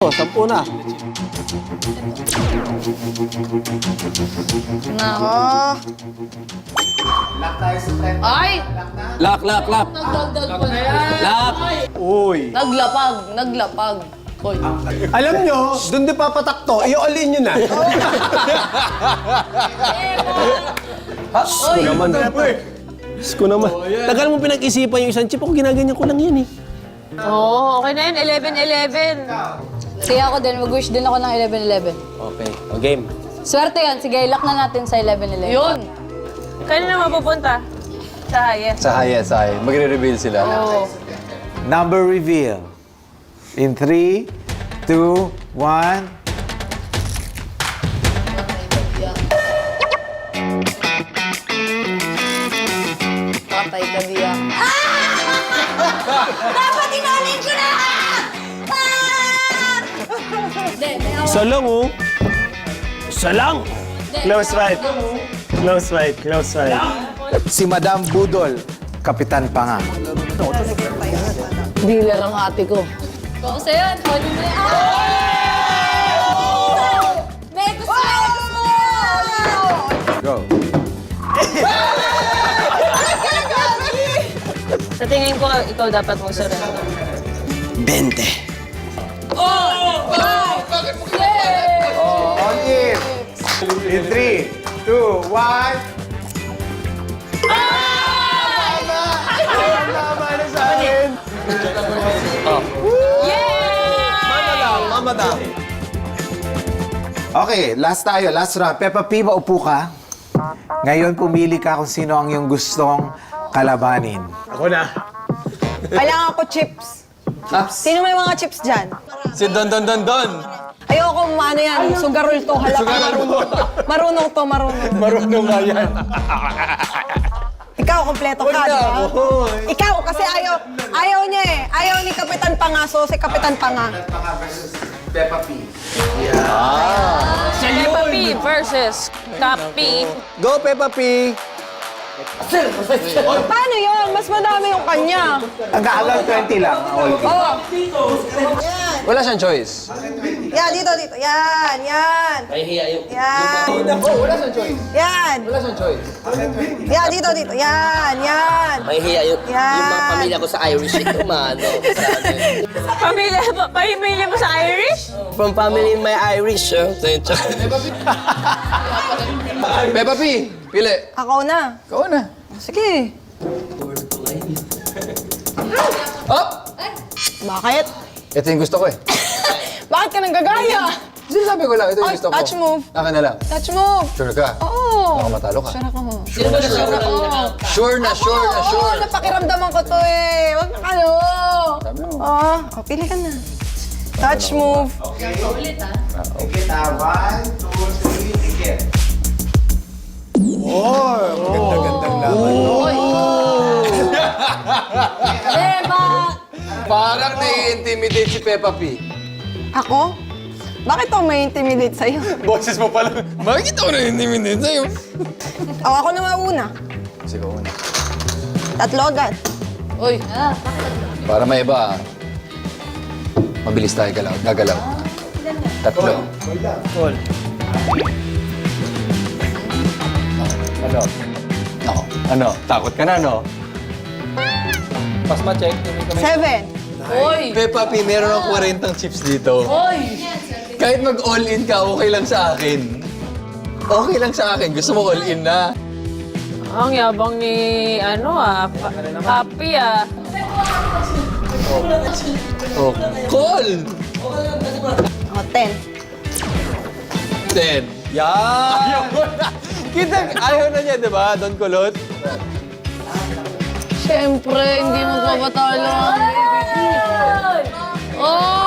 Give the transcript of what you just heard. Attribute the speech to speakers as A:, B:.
A: O, 10 na.
B: Nako. Ay!
A: Lock.
B: Nagdagdag pa yan.
A: Lock.
C: Uy.
B: Naglapag. Uy.
C: Alam nyo, doon di papatakto, i-all-in nyo na.
B: Uy.
A: Naman. Diyos ko naman. Tagal mo pinag-isipan yung isang chip. Ako ginaganyan ko lang yan eh.
B: Oo, okay na yun. 11-11. Sige ako din. Mag-wish din ako ng 11-11.
A: Okay. O, game.
B: Swerte yan. Sige, lock na natin sa 11-11. Yun.
D: Kailan na mapupunta? Sa highest.
E: Sa highest, magre-reveal sila.
B: Oo.
F: Number reveal. In 3, 2, 1.
B: Patay ka diya. Dapat inanin ko na!
A: Isa lang oh. Isa lang.
C: Close fight. Close fight. Close fight.
F: Si Madam Budol, Kapitan Panga.
B: Dealer ang ate ko. Kung sa'yo yan, huli mo yan. May gusto
F: Go.
D: Sa tingin ko, ikaw dapat mag-surrender.
F: 20. All in. In 3, 2, 1.
C: Tama na sa akin.
A: Mama daw.
F: Okay, last tayo. Last round. Peppa P, maupo ka. Ngayon, pumili ka kung sino ang iyong gustong kalabanin.
C: Ako na.
G: Kailangan ko chips. Sino may mga chips dyan?
E: Si Don.
G: Ayoko ano yan, sugarol to. Halata marunong to, marunong.
C: Marunong nga yan.
G: Ikaw, kompleto ka, di ba? Ikaw, kasi ayaw niya eh. Ayaw ni Kapitan Panga, so si Kapitan Panga.
F: Peppa P.
D: Peppa P versus Cappy.
E: Go, Peppa P!
G: Paano yun? Mas madami yung kanya.
F: Ang halagang 20 lang. All in.
G: Oh,
E: Wala siyang choice.
G: yan, dito. Yan. Yan.
E: Wala siyang choice.
G: Yan.
E: Wala siyang choice.
G: Yan, dito. Yan.
H: May hiya yung mga pamilya ko sa Irish ito, mano.
D: Pamilya mo sa Irish?
H: From family may Irish,
E: Peppa P, pili.
G: Ako na.
E: Ikaw na.
G: Sige.
E: Up!
G: Bakit?
E: Ito yung gusto ko eh.
G: Bakit ka nang gagaya?
E: Sinasabi ko lang, ito yung gusto ko.
G: Touch move.
E: Akin na lang.
G: Touch move.
E: Sure ka?
G: Oo.
E: Baka matalo ka.
G: Sure ako.
E: Sure na.
G: Oo, napakiramdaman ko to eh. Huwag na kayo.
E: Sabi mo.
G: Oo, pili ka na. Touch move.
F: Ticket, 1, 2, 3, ticket. Ganda-gandang laban.
E: Parang nai-intimidate si Peppa P.
G: Ako? Bakit ako may intimidate sa'yo?
E: Boses mo pala. Bakit ako nai-intimidate sa'yo?
G: Ako na mauna.
E: Sige, una.
G: Tatlo agad.
B: Uy.
E: Para may iba, mabilis tayo gagalaw. Tatlo.
C: Call.
E: Ano? Ako. Ano? Takot ka na, no? Pas ma-check.
G: 7.
B: Uy.
E: Peppa P, meron akong 40 chips dito.
B: Uy.
E: Kahit mag-all-in ka, okay lang sa akin. Okay lang sa akin. Gusto mo all-in na.
D: Ang yabang ni, Cappy
E: Oh, call!
G: O, 10.
E: 10. Yan! Ayaw mo na. Kita, ayaw na niya, di ba? Don Kulot?
B: Siyempre, hindi magpapatalo. Oh!